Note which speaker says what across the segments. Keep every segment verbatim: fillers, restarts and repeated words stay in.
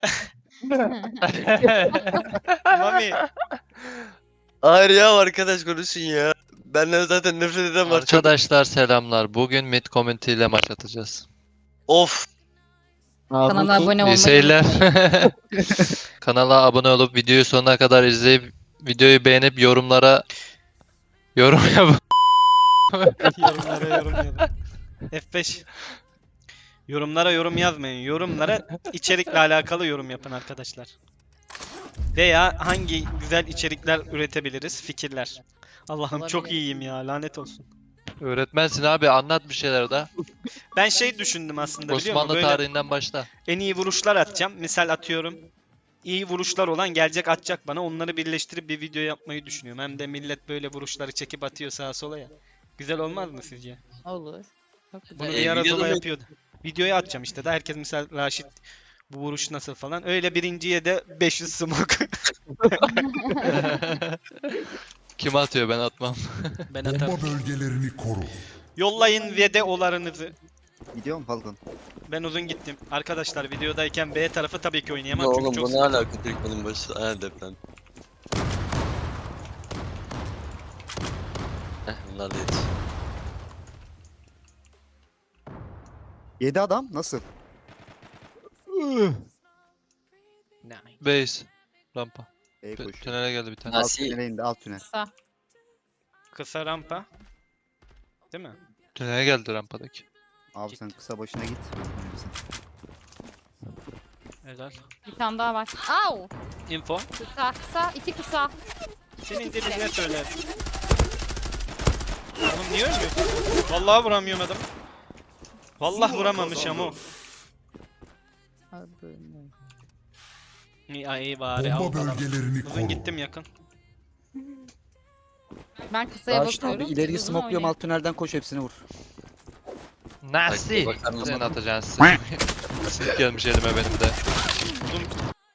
Speaker 1: Mami.
Speaker 2: Hayır ya arkadaş konuşun ya. Benden zaten nefret eden var çok.
Speaker 3: Arkadaşlar selamlar. Bugün mid community ile maç atacağız.
Speaker 2: Of.
Speaker 4: Kanala abone
Speaker 3: İyi
Speaker 4: olmayı
Speaker 3: seyirler. Kanala abone olup videoyu sonuna kadar izleyip videoyu beğenip yorumlara yorum yap.
Speaker 1: Yorumlara yorum yazın. F beş. Yorumlara yorum yazmayın. Yorumlara içerikle alakalı yorum yapın arkadaşlar. Veya hangi güzel içerikler üretebiliriz? Fikirler. Allah'ım çok
Speaker 4: Olabilir.
Speaker 1: iyiyim ya, lanet olsun.
Speaker 3: Öğretmensin abi, anlat bir şeyler de.
Speaker 1: Ben şey düşündüm aslında, biliyor musun?
Speaker 3: Osmanlı
Speaker 1: Böyle
Speaker 3: tarihinden başla.
Speaker 1: en iyi vuruşlar atacağım. Misal atıyorum. İyi vuruşlar olan gelecek atacak bana. Onları birleştirip bir video yapmayı düşünüyorum. Hem de millet böyle vuruşları çekip atıyor sağa sola ya. Güzel olmaz mı sizce?
Speaker 4: Olur. Çok güzel.
Speaker 1: Bunu
Speaker 2: E,
Speaker 1: bir ara
Speaker 2: videoda
Speaker 1: Zola
Speaker 2: mı-
Speaker 1: yapıyordu. Videoya atacağım işte. Da herkes misal Raşit bu vuruş nasıl falan. Öyle birinciye de beş yüz smoke.
Speaker 3: Kim atıyor, ben atmam.
Speaker 1: Ben atarım.
Speaker 5: Bomba bölgelerini koru.
Speaker 1: Yollayın videolarınızı.
Speaker 6: Gidiyor mu Falcon?
Speaker 1: Ben uzun gittim. Arkadaşlar videodayken B tarafı tabii ki
Speaker 2: Ya
Speaker 1: oynayamam çünkü
Speaker 2: oğlum
Speaker 1: çok
Speaker 2: bu ne alaka Türkmen'in başı? Ha deprem. Heh bunlar da yetiş.
Speaker 6: Yedi adam nasıl?
Speaker 1: Nice.
Speaker 3: Base. Rampa.
Speaker 6: E
Speaker 3: T-
Speaker 6: koş.
Speaker 3: Tünele geldi bir tane.
Speaker 2: Ha.
Speaker 6: Alt
Speaker 2: Nasıl?
Speaker 6: tünele indi, alt tünel.
Speaker 4: Kısa.
Speaker 1: Kısa rampa. Değil mi?
Speaker 3: Tünele geldi rampadaki.
Speaker 6: Abi sen kısa başına git.
Speaker 1: Helal.
Speaker 4: Bir tane daha var. Au!
Speaker 1: Info.
Speaker 4: Kısa kısa. iki kısa.
Speaker 1: Senin diline söyler. Oğlum niye ölmüyorsun? Vallahi vuramıyorum adam. Vallahi vuramamış ama o. İyi, iyi bari.
Speaker 5: Bomba
Speaker 1: al falan.
Speaker 5: bölgelerini
Speaker 1: Uzun
Speaker 5: koru.
Speaker 1: gittim yakın.
Speaker 4: Ben kısaya
Speaker 6: Raşit
Speaker 4: bakıyorum.
Speaker 6: abi ileriyi
Speaker 4: Uzun
Speaker 6: smokluyorum,
Speaker 4: oynayın.
Speaker 6: alt tünelden koş hepsini vur.
Speaker 3: Nasıl?
Speaker 2: bakar mısın?
Speaker 3: Sen atacaksın. Sinip gelmiş elime benim de.
Speaker 1: Uzun.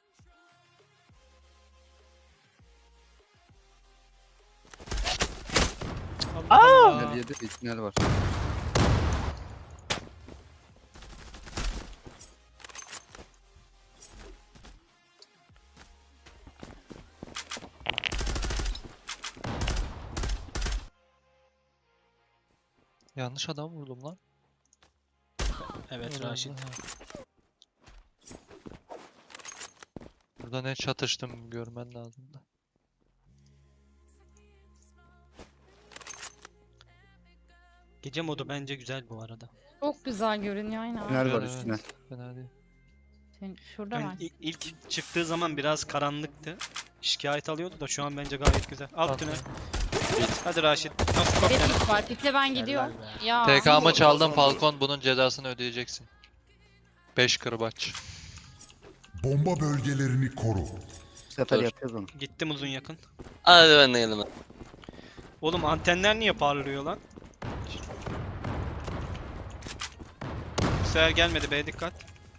Speaker 1: Allah.
Speaker 6: Tünel yedi, bir tünel var.
Speaker 3: Yanlış adam vurdum lan.
Speaker 1: Evet
Speaker 3: Allah
Speaker 1: Raşit.
Speaker 3: Allah. Burada ne çatıştım görmen lazım da.
Speaker 1: Gece modu bence güzel bu arada.
Speaker 4: Çok güzel görünüyor aynen.
Speaker 6: Tünel var,
Speaker 3: Evet,
Speaker 6: üst tünel.
Speaker 3: Fena değil.
Speaker 4: Sen- Şurada
Speaker 1: Ön-
Speaker 4: var.
Speaker 1: i- ilk çıktığı zaman biraz karanlıktı. Şikayet alıyordu da şu an bence gayet güzel. Alt
Speaker 3: Alt
Speaker 1: tünel.
Speaker 3: tünel.
Speaker 1: Hadi Raşit. Nasıl bak
Speaker 4: Bir
Speaker 1: yani?
Speaker 4: pik var. Pikle ben gidiyorum. Ya.
Speaker 3: T K'mı çaldın Falcon, bunun cezasını ödeyeceksin. beş kırbaç.
Speaker 5: Bomba bölgelerini koru.
Speaker 6: Bu sefer
Speaker 2: Dur.
Speaker 6: yapıyoruz onu.
Speaker 1: Gittim uzun yakın.
Speaker 2: Hadi ben de geldim.
Speaker 1: Oğlum antenler niye parlıyor lan? Bu sefer gelmedi be, dikkat.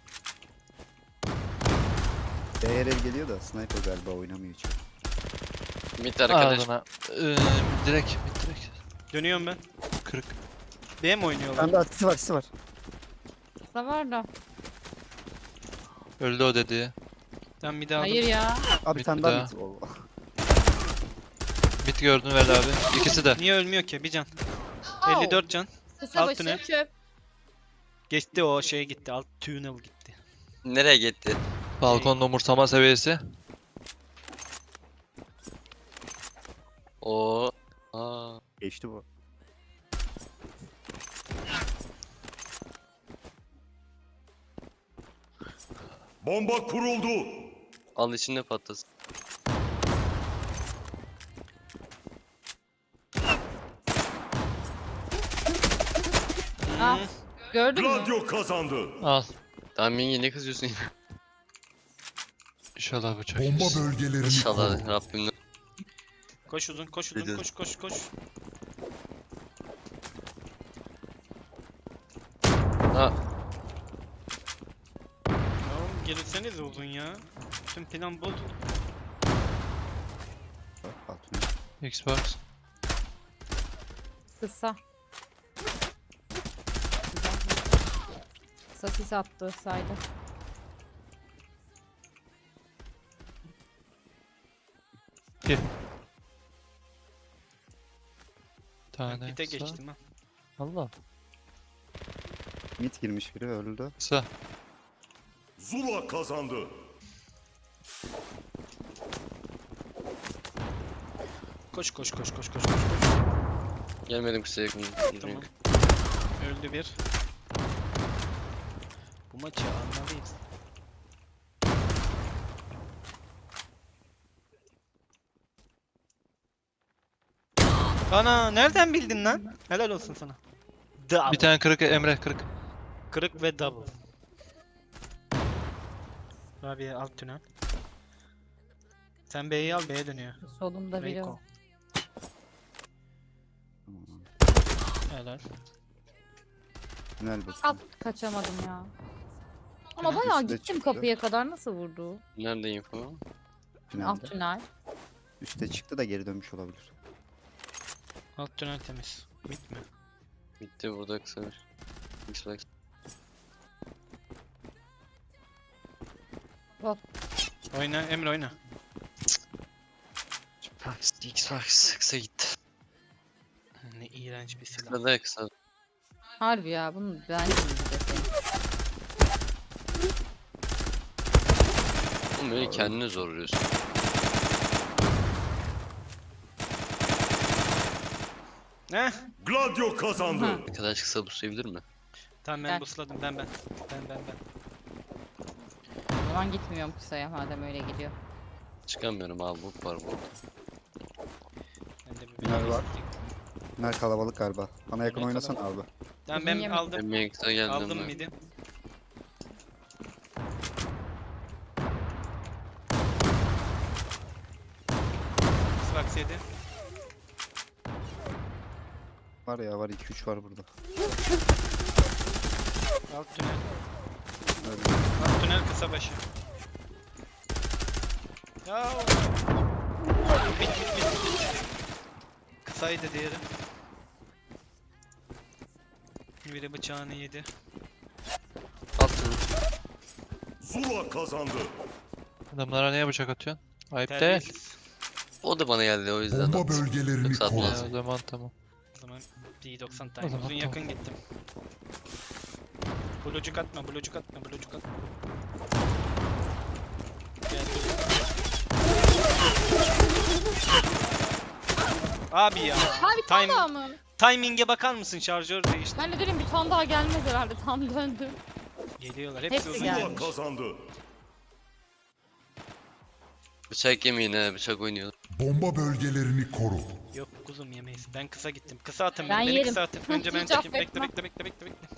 Speaker 6: Değer el geliyor da sniper galiba oynamıyor hiç.
Speaker 2: Mid arkadaş.
Speaker 3: Ardına. Ee, direkt, mid direkt.
Speaker 1: Dönüyorum ben.
Speaker 3: Kırık.
Speaker 1: B mi
Speaker 6: Bir
Speaker 1: oynuyorlar?
Speaker 6: tane daha sisi var, sisi var.
Speaker 4: Kısa var da.
Speaker 3: Öldü o dediği.
Speaker 1: Ben bir daha
Speaker 4: Hayır ya.
Speaker 6: Abi bir
Speaker 3: Mid
Speaker 6: tane
Speaker 3: bir
Speaker 6: daha
Speaker 3: daha.
Speaker 6: mid. Oo.
Speaker 3: Mid gördün Veli abi. İkisi de.
Speaker 1: Niye ölmüyor ki? Bir can.
Speaker 4: Au!
Speaker 1: elli dört can.
Speaker 4: Kısa
Speaker 1: alt
Speaker 4: başı
Speaker 1: tünel.
Speaker 4: çöp.
Speaker 1: Geçti o şeye gitti. Alt tunnel gitti.
Speaker 2: Nereye gitti?
Speaker 3: Falcon'un umursama seviyesi.
Speaker 2: Oo. Aa.
Speaker 6: Geçti bu.
Speaker 5: Bomba kuruldu.
Speaker 2: Al içinde patlasın.
Speaker 4: Ah. Gördün mü?
Speaker 5: Gladio kazandı.
Speaker 3: Al.
Speaker 2: Tamam Mingi ne kızıyorsun ya?
Speaker 3: İnşallah bıçak
Speaker 5: Bomba
Speaker 3: yersin.
Speaker 5: bölgelerini
Speaker 2: İnşallah
Speaker 5: koru.
Speaker 2: Rabbimden.
Speaker 1: Koş uzun, koş uzun,
Speaker 2: Dedim.
Speaker 1: koş koş koş.
Speaker 2: Ha.
Speaker 1: Ya oğlum gelirsenize uzun ya. Tüm plan bozuldu.
Speaker 6: Bak, alt tünel.
Speaker 3: Xbox.
Speaker 4: Kısa. Kısa sis attı saydı.
Speaker 3: iki. Tane
Speaker 1: Bir tek
Speaker 3: kısa.
Speaker 1: geçtim ha.
Speaker 3: Allah.
Speaker 6: Mid girmiş biri öldü.
Speaker 3: Kısa.
Speaker 5: Zula kazandı.
Speaker 1: Koş koş koş koş koş koş. koş.
Speaker 2: Gelmedim kısa yakın.
Speaker 1: Tamam. Öldü bir. Bu maçı almalıyız. Ana nereden bildin lan? Helal olsun sana. Double.
Speaker 3: Bir tane kırık Emre kırık.
Speaker 1: Kırık ve double. Abi alt tünel. Sen B'yi al, B'ye dönüyor.
Speaker 4: Solumda biri
Speaker 1: Reiko.
Speaker 4: var.
Speaker 6: Tamam.
Speaker 1: Helal.
Speaker 6: Tünel bakın.
Speaker 4: Alt kaçamadım ya. Ama
Speaker 1: Tünel
Speaker 4: bayağı
Speaker 6: üstte
Speaker 4: gittim
Speaker 6: çıktı.
Speaker 4: kapıya kadar, nasıl vurdu?
Speaker 2: Nerede info?
Speaker 4: Alt
Speaker 6: Tünelde.
Speaker 4: tünel.
Speaker 6: Üste çıktı da geri dönmüş olabilir.
Speaker 1: Alt tünel temiz. Bit mi?
Speaker 2: Bitti burada kısa bir. Xbox.
Speaker 1: Oyna Emre oyna.
Speaker 2: Xbox, Xbox kısa gitti.
Speaker 1: Ne iğrenç bir silah.
Speaker 2: Kısa da kısa.
Speaker 4: Harbi ya, bunu ben de deseydim.
Speaker 2: Oğlum böyle kendini zorluyorsun.
Speaker 1: Ne?
Speaker 5: Gladio kazandı.
Speaker 2: Arkadaş kısa bu sevilir mi?
Speaker 1: Tamam ben
Speaker 4: Gel.
Speaker 1: busladım ben ben. Ben ben ben.
Speaker 4: O zaman gitmiyorum kısaya madem öyle gidiyor.
Speaker 2: Çıkamıyorum abi bu var bu.
Speaker 1: Ben de bir
Speaker 6: Tünel var.
Speaker 1: bir-
Speaker 6: Tünel kalabalık galiba. Bana yakın
Speaker 1: Tünel
Speaker 6: oynasan abi.
Speaker 1: Tamam
Speaker 4: Uzun
Speaker 1: ben
Speaker 4: yemek.
Speaker 1: aldım.
Speaker 2: Emre'ye kısa geldim.
Speaker 1: Aldım
Speaker 2: ben.
Speaker 1: midi. Xbox yedi.
Speaker 6: Var ya var iki üç var burada.
Speaker 1: Alt tünel.
Speaker 6: Öyle.
Speaker 1: Alt tünel kısa başı. Ya. Bit bit bit bit. Kısaydı diğeri. Biri bıçağını yedi.
Speaker 2: Altın.
Speaker 5: Zula kazandı.
Speaker 3: Adamlara niye bıçak atıyorsun? Ayıp değil.
Speaker 1: Terbiyesiz.
Speaker 2: O da bana geldi o yüzden.
Speaker 5: Bomba bölgelerini
Speaker 2: Yoksa
Speaker 5: koru.
Speaker 2: atmaz.
Speaker 3: Ya, o zaman tamam.
Speaker 1: O zaman D doksan
Speaker 3: O
Speaker 1: tane.
Speaker 3: zaman
Speaker 1: Uzun
Speaker 3: tamam.
Speaker 1: yakın gittim. Blucuk atma, blucuk atma, blucuk atma. Gel. Abi ya.
Speaker 4: Ha bir tane
Speaker 1: Time,
Speaker 4: daha mı?
Speaker 1: timing'e bakar mısın? Şarjör değişti.
Speaker 4: Ben de dedim bir tane daha gelmez herhalde, tam döndü.
Speaker 1: Geliyorlar. Hepsi,
Speaker 4: Hepsi
Speaker 1: uzun
Speaker 4: geldi.
Speaker 5: Zula
Speaker 1: gelmiş.
Speaker 5: kazandı.
Speaker 2: Bıçak yemeyin ha bıçak oynuyor.
Speaker 5: Bomba bölgelerini koru.
Speaker 1: Yok kuzum yemeyiz. Ben kısa gittim. Kısa atın
Speaker 4: Ben
Speaker 1: beni. Beni
Speaker 4: yerim.
Speaker 1: kısa atın. Önce ben
Speaker 4: Hiç
Speaker 1: çekeyim. Bekle
Speaker 4: affetmem.
Speaker 1: bekle bekle bekle bekle.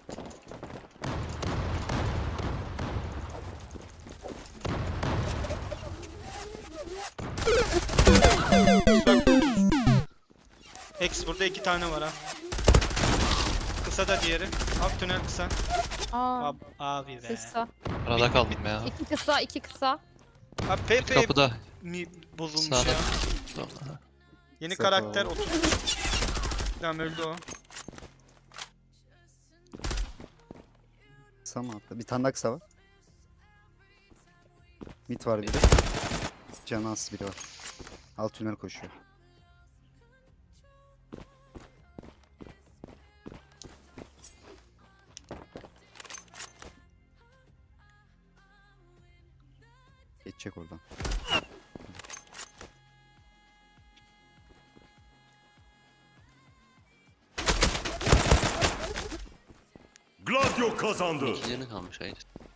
Speaker 1: X burada iki tane var ha. Kısa da diğeri. Alt tünel kısa.
Speaker 4: Aa,
Speaker 1: Ab abi be.
Speaker 4: kısa.
Speaker 3: Arada kaldım ya.
Speaker 4: İki kısa, iki kısa.
Speaker 1: Abi Pepe
Speaker 3: Kapıda.
Speaker 1: mi bozulmuş
Speaker 3: Sağda.
Speaker 1: ya.
Speaker 3: Tamam.
Speaker 1: Yeni
Speaker 6: Sefa.
Speaker 1: karakter oturmuş. Tamam öldü o.
Speaker 6: Kısa mı attı? Bir tane daha kısa var. Mid var biri. Canı az biri var. Alt tünel koşuyor. Geçecek oradan.
Speaker 5: Gladio kazandı.
Speaker 2: İki canı kalmış hayır.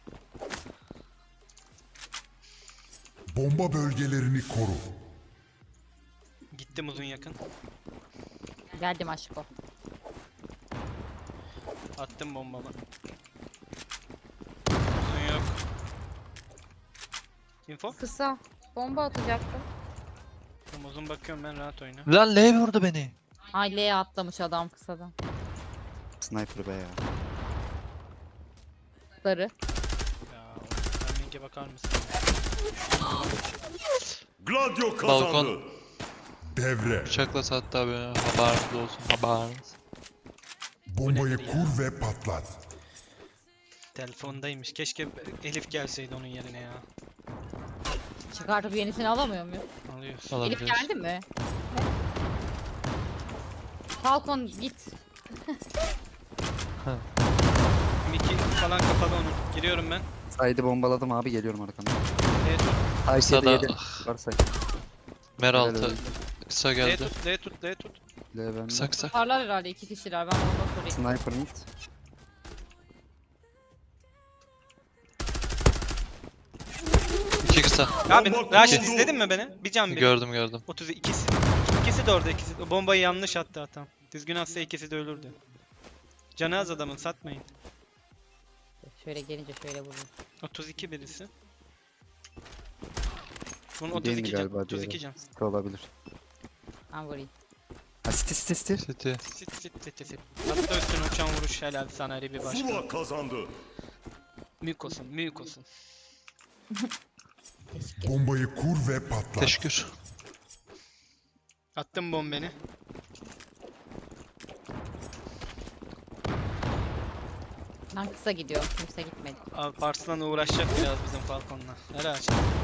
Speaker 5: Bomba bölgelerini koru.
Speaker 1: Gittim uzun yakın.
Speaker 4: Geldim aşko.
Speaker 1: Attım bombamı. Uzun yok. Info.
Speaker 4: Kısa. Bomba atacaktım.
Speaker 1: Tamam, uzun bakıyorum ben, rahat oyna.
Speaker 3: Lan L vurdu beni.
Speaker 4: Ay L'ye atlamış adam kısadan.
Speaker 6: Sniper be ya.
Speaker 1: Ya
Speaker 4: Sarı.
Speaker 1: timing'e bakar mısın?
Speaker 5: Gladio kazandı.
Speaker 3: Balkon.
Speaker 5: Devre.
Speaker 3: Bıçakla sattı abi. Haberiniz olsun. Haberiniz.
Speaker 5: Bombayı
Speaker 1: nedir ya?
Speaker 5: kur ve patlat.
Speaker 1: Telefondaymış. Keşke Elif gelseydi onun yerine ya.
Speaker 4: Çıkartıp yenisini alamıyor muyum?
Speaker 1: Alıyor. Alıyoruz.
Speaker 4: Elif
Speaker 3: Alabiliriz.
Speaker 4: geldi mi? Falcon git.
Speaker 1: Miki falan kapalı onun. Giriyorum ben.
Speaker 6: Side'ı bombaladım abi, geliyorum arkamda.
Speaker 1: D tut.
Speaker 6: Ay
Speaker 3: Kısa
Speaker 6: yedi
Speaker 3: da-
Speaker 6: yedi. Var side.
Speaker 3: Mer
Speaker 6: Helal
Speaker 3: altı.
Speaker 6: olsun.
Speaker 3: Kısa
Speaker 1: D
Speaker 3: geldi.
Speaker 1: tut. D tut. D tut.
Speaker 6: L bende.
Speaker 3: Kısa kısa.
Speaker 4: Parlar herhalde iki kişiler. Ben bomba kurayım.
Speaker 6: Sniper mid.
Speaker 3: İki kısa.
Speaker 1: Abi
Speaker 5: Bomba
Speaker 1: Raşit
Speaker 5: kuruldu.
Speaker 1: izledin mi beni? Bir can bir.
Speaker 3: Gördüm gördüm.
Speaker 1: otuz ikisi. İkisi de orada ikisi. O bombayı yanlış attı hatam. Düzgün atsa ikisi de ölürdü. Canı az adamın satmayın.
Speaker 4: Şöyle gelince şöyle vurayım.
Speaker 1: otuz iki birisi. Bunun
Speaker 6: Değil
Speaker 1: otuz
Speaker 6: mi
Speaker 1: iki can.
Speaker 6: galiba
Speaker 1: otuz iki
Speaker 6: diğeri?
Speaker 1: can.
Speaker 6: Site olabilir.
Speaker 4: Ben vurayım.
Speaker 6: Ha city city city.
Speaker 3: City.
Speaker 1: Sit sit sit sit. Hatta üstüne uçan vuruş helal sana Ali bir başka.
Speaker 5: Zula kazandı.
Speaker 1: Mük olsun, mük olsun.
Speaker 5: Bombayı kur ve patlat.
Speaker 3: Teşekkür.
Speaker 1: Attım bombeni.
Speaker 4: Ben kısa gidiyorum. Kimse gitmedi.
Speaker 1: Abi Parslan uğraşacak biraz bizim Falcon'la. Helal.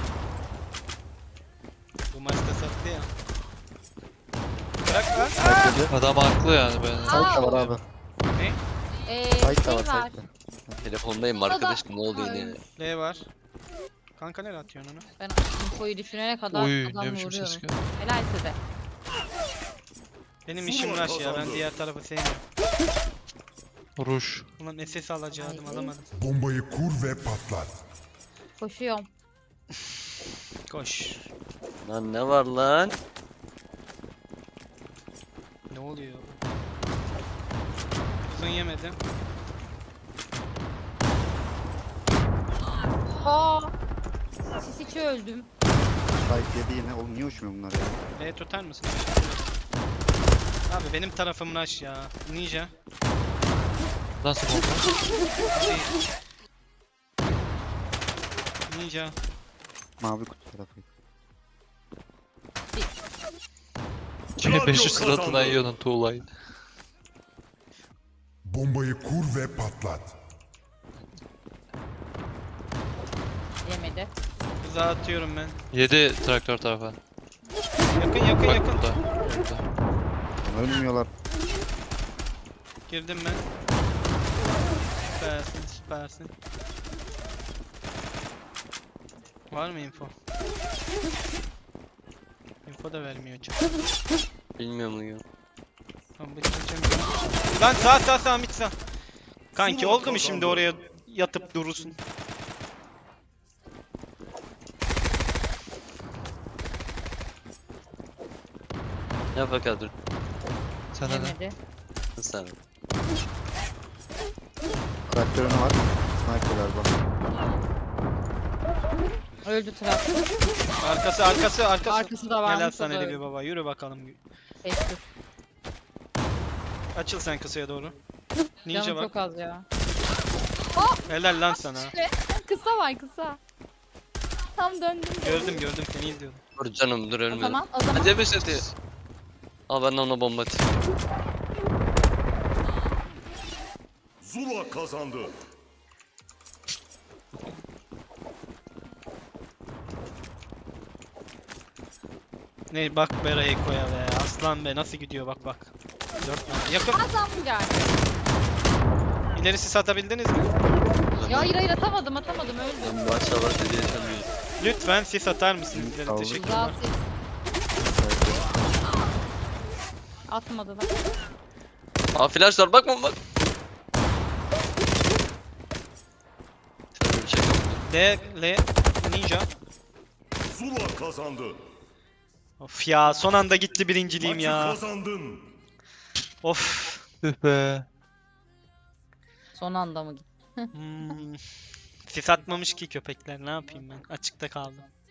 Speaker 1: Bu maçta sattı ya. Bırak lan.
Speaker 6: Side
Speaker 3: Adam haklı yani ben.
Speaker 6: Side de var abi.
Speaker 1: Ne?
Speaker 4: Ee,
Speaker 6: Side de
Speaker 4: şey
Speaker 6: var
Speaker 4: var.
Speaker 6: side de.
Speaker 2: Telefondayım
Speaker 4: Kısa da-
Speaker 2: arkadaşım, ne oluyor yine?
Speaker 1: L var. Kanka nereye atıyorsun onu?
Speaker 4: Ben infoyu düşünene kadar
Speaker 3: Oy
Speaker 4: adamla
Speaker 3: ne biçim ses
Speaker 4: vuruyorum.
Speaker 3: geldi.
Speaker 4: Helal size.
Speaker 1: Benim
Speaker 5: Zula
Speaker 1: işim rush ya. Ben
Speaker 5: kazandı.
Speaker 1: diğer tarafı sevmiyorum.
Speaker 3: Ruş.
Speaker 1: Ulan S S alacaktım
Speaker 4: Ay.
Speaker 1: alamadım.
Speaker 5: Bombayı kur ve patlat.
Speaker 4: Koşuyorum.
Speaker 1: Koş.
Speaker 2: Lan ne var lan?
Speaker 1: Ne oluyor? Uzun yemedim.
Speaker 4: Aa! Sis içi öldüm.
Speaker 6: Side yedi yine. Oğlum niye uçmuyor bunlar ya?
Speaker 1: L tutar mısın? Abi benim tarafım rush ya. Ninja.
Speaker 3: Nasıl bomba?
Speaker 1: Hadi. Ninja.
Speaker 6: Mavi kutu tarafı.
Speaker 3: Yine beş yüz
Speaker 5: kazandı.
Speaker 3: suratına yiyordun tuğlayı.
Speaker 5: Bombayı kur ve patlat.
Speaker 4: Yemedi.
Speaker 1: Uzağa atıyorum ben.
Speaker 3: Yedi traktör tarafa.
Speaker 1: Yakın yakın
Speaker 3: Bak
Speaker 1: yakın.
Speaker 3: burada. Burada.
Speaker 6: Ölmüyorlar.
Speaker 1: Girdim ben. Süpersin süpersin. Var mı info? Info da vermiyor çok.
Speaker 2: Bilmiyorum ya.
Speaker 1: Tamam bir kaçamıyorum. Lan sağ sağ sağ mid sağ. Kanki
Speaker 5: Zula
Speaker 1: oldu mu şimdi
Speaker 5: kazandı.
Speaker 1: oraya yatıp durursun?
Speaker 2: Ne fakat dur.
Speaker 3: Sen de.
Speaker 4: Yemedi.
Speaker 2: Sen.
Speaker 6: Traktörün var. Sniper galiba.
Speaker 4: Öldü traktör.
Speaker 1: Arkası arkası arkası.
Speaker 4: Arkası da varmış.
Speaker 1: Gel
Speaker 4: o
Speaker 1: Hasan
Speaker 4: da
Speaker 1: Ali
Speaker 4: öldü.
Speaker 1: bir baba yürü bakalım.
Speaker 4: Teşekkür.
Speaker 1: Açıl sen kısaya doğru. Ninja
Speaker 4: Canım
Speaker 1: bak.
Speaker 4: çok az ya.
Speaker 1: Helal lan sana.
Speaker 4: Kısa var kısa. Tam döndüm.
Speaker 1: Gördüm gördüm seni izliyordum.
Speaker 2: Dur canım, dur
Speaker 4: O
Speaker 2: ölme.
Speaker 4: zaman o zaman
Speaker 2: Hadi bir seti. Al ben de ona bomba atayım.
Speaker 5: Zula kazandı.
Speaker 1: Ne bak be Reiko'ya be. Aslan be nasıl gidiyor bak bak. Dört tane. Yakın.
Speaker 4: adam geldi.
Speaker 1: İlerisi satabildiniz mi?
Speaker 4: Ya hayır hayır atamadım atamadım öldüm.
Speaker 2: Ben maşallah dedi yaşamıyorum.
Speaker 1: Lütfen sis atar mısınız ileri?
Speaker 6: Aldım.
Speaker 1: Teşekkürler.
Speaker 4: Güzel ses. Atmadı lan.
Speaker 2: Aa flash var, bakma bak. Şöyle bir şey yapalım.
Speaker 1: L, L, Ninja.
Speaker 5: Zula kazandı.
Speaker 1: Of ya son anda gitti birinciliğim
Speaker 5: Maçı
Speaker 1: ya.
Speaker 5: kazandın.
Speaker 1: Of.
Speaker 3: Üh be.
Speaker 4: Son anda mı gitti?
Speaker 1: Hmm. Sis atmamış ki köpekler ne yapayım ben açıkta kaldım.